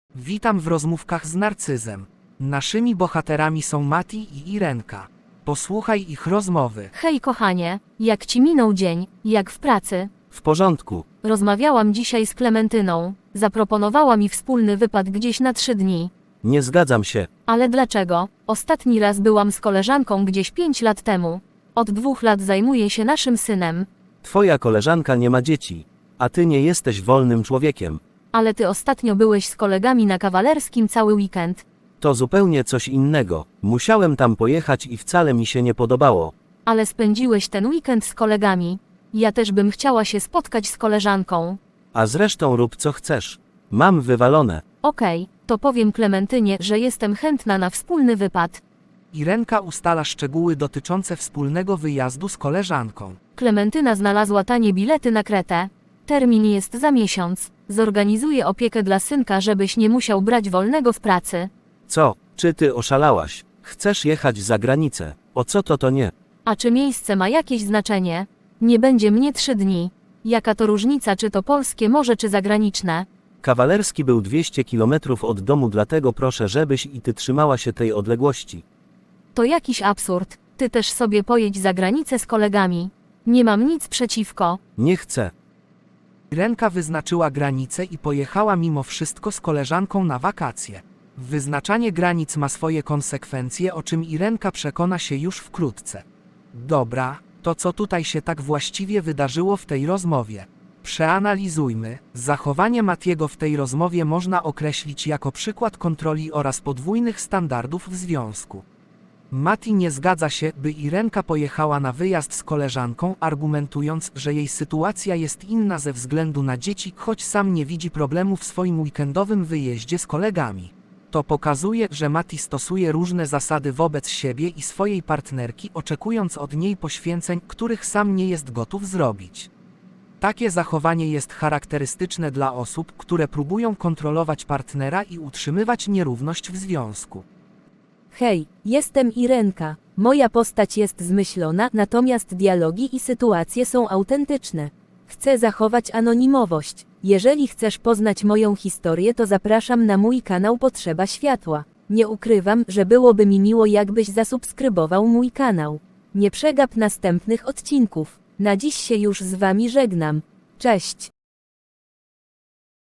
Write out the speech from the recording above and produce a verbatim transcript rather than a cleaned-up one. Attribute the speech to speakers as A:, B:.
A: Witam w rozmówkach z Narcyzem. Naszymi bohaterami są Mati i Irenka. Posłuchaj ich rozmowy.
B: Hej kochanie, jak ci minął dzień, jak w pracy?
C: W porządku.
B: Rozmawiałam dzisiaj z Klementyną. Zaproponowała mi wspólny wypad gdzieś na trzy dni.
C: Nie zgadzam się.
B: Ale dlaczego? Ostatni raz byłam z koleżanką gdzieś pięć lat temu. Od dwóch lat zajmuję się naszym synem.
C: Twoja koleżanka nie ma dzieci, a ty nie jesteś wolnym człowiekiem.
B: Ale ty ostatnio byłeś z kolegami na Kawalerskim cały weekend.
C: To zupełnie coś innego. Musiałem tam pojechać i wcale mi się nie podobało.
B: Ale spędziłeś ten weekend z kolegami. Ja też bym chciała się spotkać z koleżanką.
C: A zresztą rób co chcesz. Mam wywalone.
B: Okej, to powiem Klementynie, że jestem chętna na wspólny wypad.
A: Irenka ustala szczegóły dotyczące wspólnego wyjazdu z koleżanką.
B: Klementyna znalazła tanie bilety na Kretę. Termin jest za miesiąc. Zorganizuję opiekę dla synka, żebyś nie musiał brać wolnego w pracy.
C: Co? Czy ty oszalałaś? Chcesz jechać za granicę? O co to to nie?
B: A czy miejsce ma jakieś znaczenie? Nie będzie mnie trzy dni. Jaka to różnica, czy to polskie morze, czy zagraniczne?
C: Kawalerski był dwieście kilometrów od domu, dlatego proszę, żebyś i ty trzymała się tej odległości.
B: To jakiś absurd. Ty też sobie pojedź za granicę z kolegami. Nie mam nic przeciwko.
C: Nie chcę.
A: Irenka wyznaczyła granice i pojechała mimo wszystko z koleżanką na wakacje. Wyznaczanie granic ma swoje konsekwencje, o czym Irenka przekona się już wkrótce. Dobra, to co tutaj się tak właściwie wydarzyło w tej rozmowie? Przeanalizujmy. Zachowanie Matiego w tej rozmowie można określić jako przykład kontroli oraz podwójnych standardów w związku. Mati nie zgadza się, by Irenka pojechała na wyjazd z koleżanką, argumentując, że jej sytuacja jest inna ze względu na dzieci, choć sam nie widzi problemu w swoim weekendowym wyjeździe z kolegami. To pokazuje, że Mati stosuje różne zasady wobec siebie i swojej partnerki, oczekując od niej poświęceń, których sam nie jest gotów zrobić. Takie zachowanie jest charakterystyczne dla osób, które próbują kontrolować partnera i utrzymywać nierówność w związku.
D: Hej, jestem Irenka. Moja postać jest zmyślona, natomiast dialogi i sytuacje są autentyczne. Chcę zachować anonimowość. Jeżeli chcesz poznać moją historię, to zapraszam na mój kanał Potrzeba Światła. Nie ukrywam, że byłoby mi miło, jakbyś zasubskrybował mój kanał. Nie przegap następnych odcinków. Na dziś się już z wami żegnam. Cześć!